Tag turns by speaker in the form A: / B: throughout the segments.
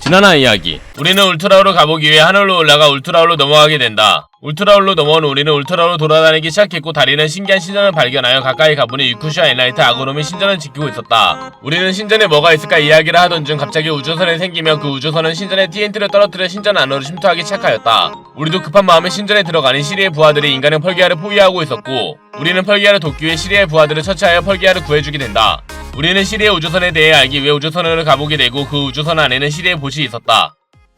A: 지난화 이야기. 우리는 울트라울로 가보기 위해 하늘로 올라가 울트라울로 넘어가게 된다. 울트라울로 넘어온 우리는 울트라울로 돌아다니기 시작했고 다리는 신기한 신전을 발견하여 가까이 가보니 유쿠시와 엔라이트 아고놈이 신전을 지키고 있었다. 우리는 신전에 뭐가 있을까 이야기를 하던 중 갑자기 우주선이 생기며 그 우주선은 신전에 TNT를 떨어뜨려 신전 안으로 침투하기 시작하였다. 우리도 급한 마음에 신전에 들어가니 시리의 부하들이 인간의 펄기아를 포위하고 있었고 우리는 펄기아를 돕기 위해 시리의 부하들을 처치하여 펄기아를 구해주게 된다. 우리는 시리의 우주선에 대해 알기 위해 우주선으로 가보게 되고 그 우주선 안에는 시리의 보시 있었다.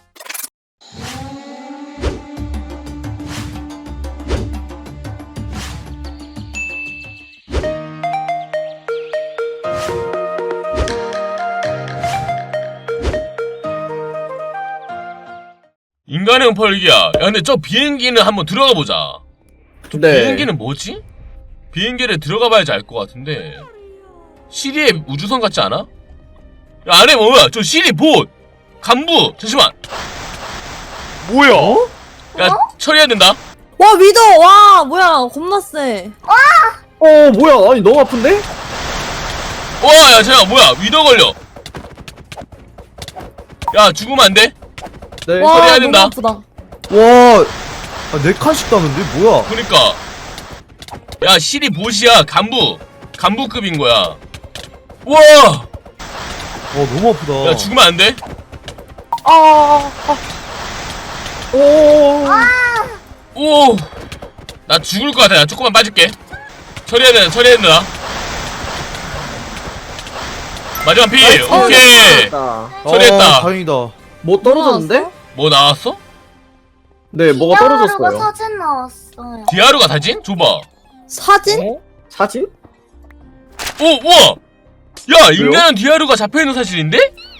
A: 인간형 펄기야. 야 근데 저 비행기는 한번 들어가 보자.
B: 네.
A: 비행기는 뭐지? 비행기를 들어가 봐야지 알 것 같은데. 시리의 우주선 같지 않아? 야 안에 뭐야? 저 시리 봇! 간부! 잠시만!
B: 뭐야?
A: 야 처리해야 된다.
C: 와 위더 와 뭐야 겁나 세.
B: 뭐야? 아니 너무 아픈데?
A: 와 야 잠깐 뭐야 위더 걸려. 야 죽으면 안 돼?
B: 네.
C: 와
A: 처리해야
C: 너무
A: 된다.
C: 아프다.
D: 와, 아, 4칸씩 따는데 뭐야?
A: 그니까 야 시리 봇이야. 간부급인 거야. 우와!
D: 너무 아프다.
A: 야 죽으면 안 돼? 오! 나 죽을 것 같아. 나 조금만 빠질게. 처리해야 된다. 마지막 피! 오케이! 처리했다.
D: 다행이다.
B: 뭐 떨어졌는데?
A: 뭐 나왔어?
B: 네, 뭐가
E: 디아루가
B: 떨어졌어요.
E: 사진 나왔어요.
A: 디아루가 사진? 줘봐.
C: 사진?
B: 사진?
A: 오! 우와! 야! 인간은 디아루가 잡혀있는 사진인데?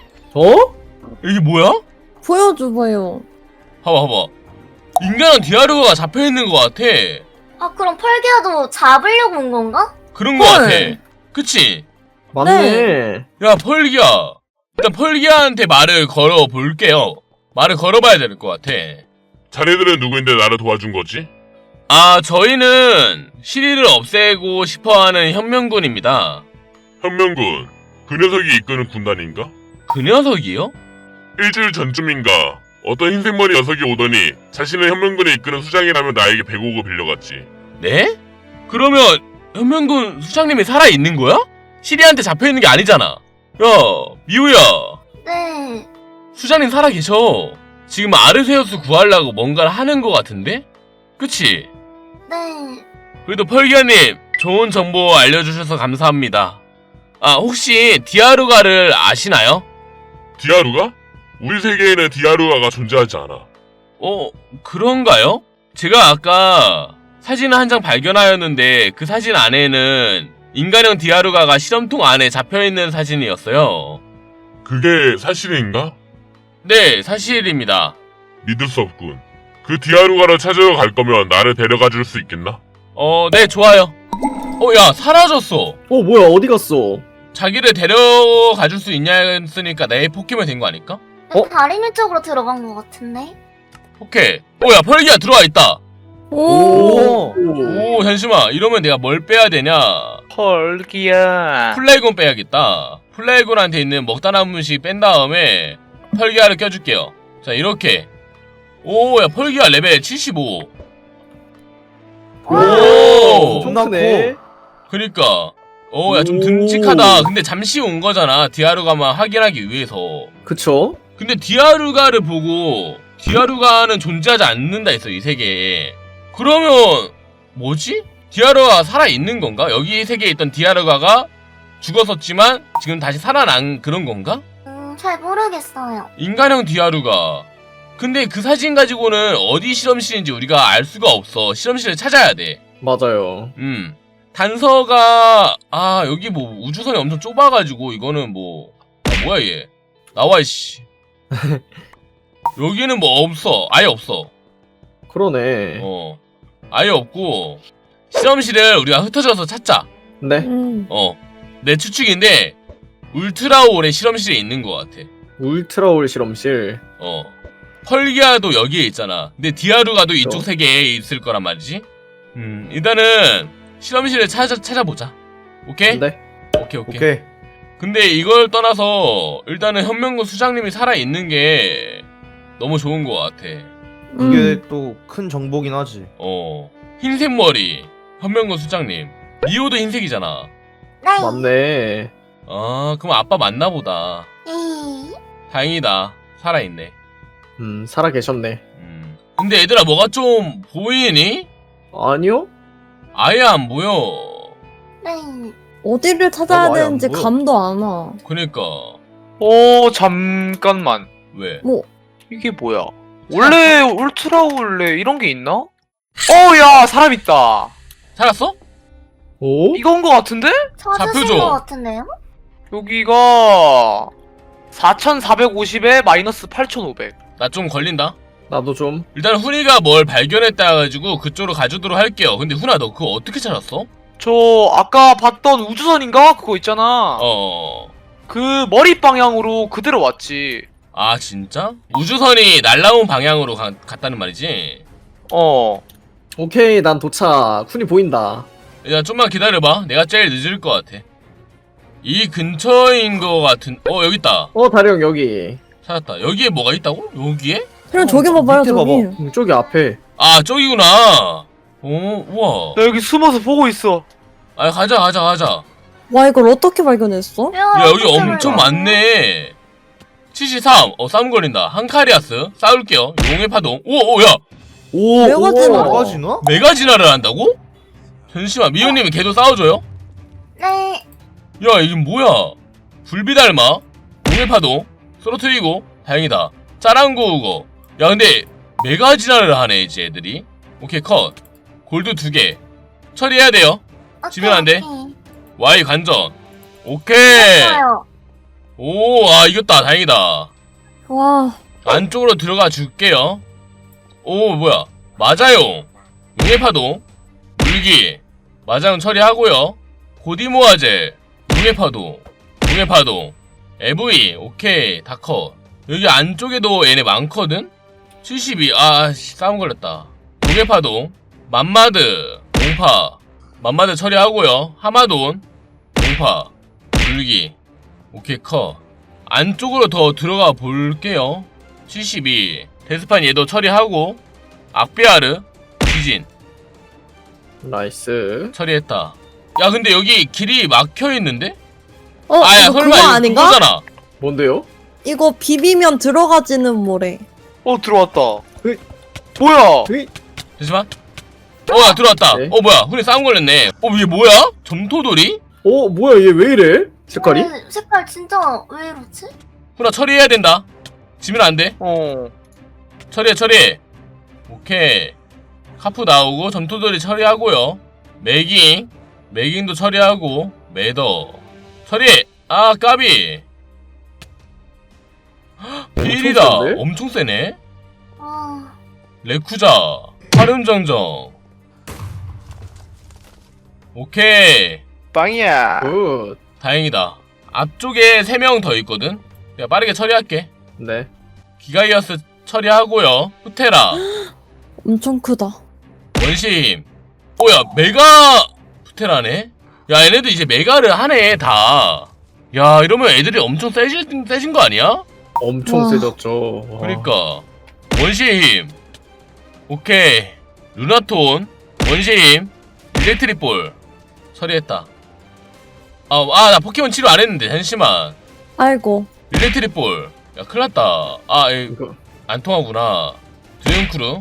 A: 이게 뭐야?
C: 보여줘봐요.
A: 봐봐. 인간은 디아루가 잡혀있는 것 같아.
E: 아 그럼 펄기아도 잡으려고 온 건가?
A: 그런 것
C: 헐.
A: 같아. 그치?
B: 맞네.
A: 야 펄기야. 일단 펄기야한테 말을 걸어볼게요. 말을 걸어봐야 될 것 같아.
F: 자네들은 누구인데 나를 도와준 거지?
A: 아 저희는 시리를 없애고 싶어하는 현명군입니다.
F: 현명군, 그 녀석이 이끄는 군단인가?
A: 그 녀석이요?
F: 일주일 전쯤인가 어떤 흰색머리 녀석이 오더니 자신은 현명군이 이끄는 수장이라며 나에게 100억을 빌려갔지.
A: 네? 그러면 현명군 수장님이 살아있는 거야? 시리한테 잡혀있는 게 아니잖아. 야 미우야,
E: 네.
A: 수장님 살아계셔. 지금 아르세우스 구하려고 뭔가를 하는 것 같은데? 그치?
E: 네.
A: 그래도 펄기아님 좋은 정보 알려주셔서 감사합니다. 아 혹시 디아루가를 아시나요?
F: 디아루가? 우리 세계에는 디아루가가 존재하지 않아.
A: 그런가요? 제가 아까 사진을 한 장 발견하였는데 그 사진 안에는 인간형 디아루가가 실험통 안에 잡혀있는 사진이었어요.
F: 그게 사실인가?
A: 네, 사실입니다.
F: 믿을 수 없군. 그 디아루가를 찾으러 갈 거면 나를 데려가 줄 수 있겠나?
A: 네, 좋아요. 야, 사라졌어.
B: 뭐야? 어디 갔어?
A: 자기를 데려가 줄 수 있냐 했으니까 내 포켓몬이 된 거 아닐까?
E: 다리미 쪽으로 들어간 것 같은데?
A: 오케이. 야, 펄기야 들어와 있다.
C: 오.
A: 오, 잠시만. 이러면 내가 뭘 빼야 되냐?
G: 펄기야.
A: 플레이곤 빼야겠다. 플레이곤한테 있는 먹다나무식 뺀 다음에 펄기아를 껴줄게요. 자, 이렇게. 오, 야, 펄기아 레벨 75. 오!
B: 좀 크네.
A: 그니까. 야, 좀
B: 오.
A: 듬직하다. 근데 잠시 온 거잖아. 디아루가만 확인하기 위해서.
B: 그쵸?
A: 근데 디아루가를 보고 디아루가는 존재하지 않는다 했어, 이 세계에. 그러면 뭐지? 디아루가가 살아있는 건가? 여기 세계에 있던 디아루가가 죽었었지만 지금 다시 살아난 그런 건가?
E: 잘 모르겠어요.
A: 인간형 디아루가. 근데 그 사진 가지고는 어디 실험실인지 우리가 알 수가 없어. 실험실을 찾아야 돼.
B: 맞아요.
A: 단서가 여기 뭐 우주선이 엄청 좁아가지고 이거는 뭐야 얘. 나와 이씨. 여기는 뭐 없어. 아예 없어.
B: 그러네.
A: 아예 없고 실험실을 우리가 흩어져서 찾자.
B: 네.
A: 내 추측인데 울트라올의 실험실에 있는 것 같아.
B: 울트라올 실험실.
A: 펄기아도 여기에 있잖아. 근데 디아루가도 이쪽 세계에 있을 거란 말이지. 일단은 실험실을 찾아보자. 오케이?
B: 네.
A: 오케이.
D: 오케이.
A: 근데 이걸 떠나서 일단은 현명군 수장님이 살아있는 게 너무 좋은 것 같아.
D: 이게 또 큰 정보긴 하지.
A: 흰색 머리 현명군 수장님. 리오도 흰색이잖아.
E: 네.
B: 맞네.
A: 아 그럼 아빠 맞나 보다. 다행이다. 살아있네.
B: 살아 계셨네.
A: 근데 얘들아 뭐가 좀 보이니?
B: 아니요?
A: 아예 안 보여.
E: 네.
C: 어디를 찾아야
B: 나도 아예 안
C: 되는지
B: 보여.
C: 감도 안 와.
A: 그니까
G: 잠깐만.
A: 왜?
C: 뭐
G: 이게 뭐야? 원래 울트라 원래 이런 게 있나? 야 사람 있다.
A: 살았어?
B: 오?
G: 이건 거 같은데?
A: 좌표죠.
E: 찾으신 것 같은데요?
G: 여기가 4,450에 마이너스 8,500.
A: 나 좀 걸린다.
B: 나도 좀.
A: 일단 훈이가 뭘 발견했다 해가지고 그쪽으로 가주도록 할게요. 근데 훈아 너 그거 어떻게 찾았어?
G: 저 아까 봤던 우주선인가? 그거 있잖아. 그 머리 방향으로 그대로 왔지.
A: 아 진짜? 우주선이 날라온 방향으로 갔다는 말이지?
B: 오케이, 난 도착. 쿤이 보인다.
A: 일단 좀만 기다려봐. 내가 제일 늦을 것 같아. 이 근처인 것 같은... 여기 있다.
B: 다령 여기.
A: 찾았다. 여기에 뭐가 있다고? 여기에?
C: 그냥 저기 봐봐요
D: 밑에
C: 저기.
B: 저기 앞에.
A: 아 저기구나. 우와.
G: 나 여기 숨어서 보고 있어.
A: 아 가자.
C: 와 이걸 어떻게 발견했어?
A: 야 여기 엄청 많네. 73. 싸움 걸린다. 한카리아스. 싸울게요. 용의 파동. 야
D: 오,
C: 메가지나?
D: 메가지나?
A: 메가진화를 한다고? 잠시만. 미호님이 걔도 싸워줘요?
E: 네.
A: 야 이게 뭐야? 불비달마. 용의 파동. 쓰러트리고. 다행이다. 짜랑구우고. 야 근데 메가진화를 하네 이제 애들이. 오케이 컷. 골드 2개. 처리해야 돼요. 지면 안 돼. Y 관전. 오케이.
E: 좋아요.
A: 이겼다. 다행이다.
C: 와
A: 안쪽으로 들어가 줄게요. 뭐야. 맞아요. 용의 파동. 물기. 마장 처리하고요. 고디모아젤. 용의 파동. AV. 오케이. 다 컷. 여기 안쪽에도 얘네 많거든? 72. 싸움 걸렸다. 용의 파동. 맘마드. 공파. 맘마드 처리하고요. 하마돈. 공파. 물기. 오케이 컷. 안쪽으로 더 들어가 볼게요. 72. 데스판 얘도 처리하고. 악비아르. 지진.
B: 나이스.
A: 처리했다. 야 근데 여기 길이 막혀있는데?
C: 이거 그거 아닌가?
A: 그거잖아.
B: 뭔데요?
C: 이거 비비면 들어가지는 뭐래.
G: 들어왔다.
B: 으이.
G: 뭐야?
A: 잠시만. 야 들어왔다.
B: 네.
A: 뭐야 훈이 싸움 걸렸네. 이게 뭐야? 점토돌이?
B: 뭐야, 얘 왜 이래? 색깔이?
E: 색깔 진짜 왜 이렇지?
A: 훈아 처리해야 된다. 지면 안돼. 처리해. 오케이. 카프 나오고 점토돌이 처리하고요. 매깅도 처리하고. 매더 처리해. 까비. 필이다.
B: 센데?
A: 엄청 세네.
E: 아,
A: 레쿠자. 화름정정. 오케이.
G: 빵이야.
B: 굿.
A: 다행이다. 앞쪽에 3명 더 있거든. 내가 빠르게 처리할게.
B: 네.
A: 기가이어스 처리하고요. 후테라.
C: 엄청 크다.
A: 원시힘. 야 메가 후테라네. 야 얘네도 이제 메가를 하네 다. 야 이러면 애들이 엄청 세진 거 아니야?
B: 엄청
C: 와.
B: 세졌죠. 와.
A: 그러니까 원시의 힘. 오케이. 루나톤. 원시의 힘. 일렉트릭볼 처리했다. 나 포켓몬 치료 안 했는데 잠시만.
C: 아이고.
A: 일렉트릭볼. 야 큰일났다.
B: 이거.
A: 안 통하구나. 드윤크루.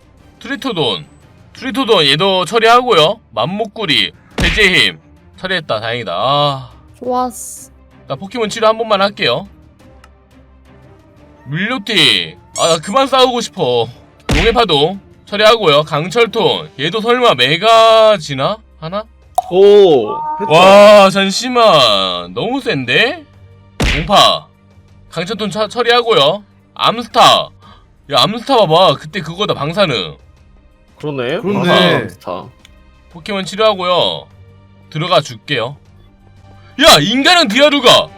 A: 트리토돈 얘도 처리하고요. 맘목구리. 돼지의 힘 처리했다. 다행이다.
C: 좋았어.
A: 나 포켓몬 치료 한 번만 할게요. 밀료티. 나 그만 싸우고 싶어. 용의 파동 처리하고요. 강철톤 얘도 설마 메가지나? 하나?
B: 했다.
A: 와 잠시만 너무 센데? 공파 강철톤 처리하고요. 암스타. 야 암스타 봐봐. 그때 그거다 방사능.
B: 그러네.
D: 그렇네.
B: 스타.
A: 포켓몬 치료하고요. 들어가 줄게요. 야 인간은 디아루가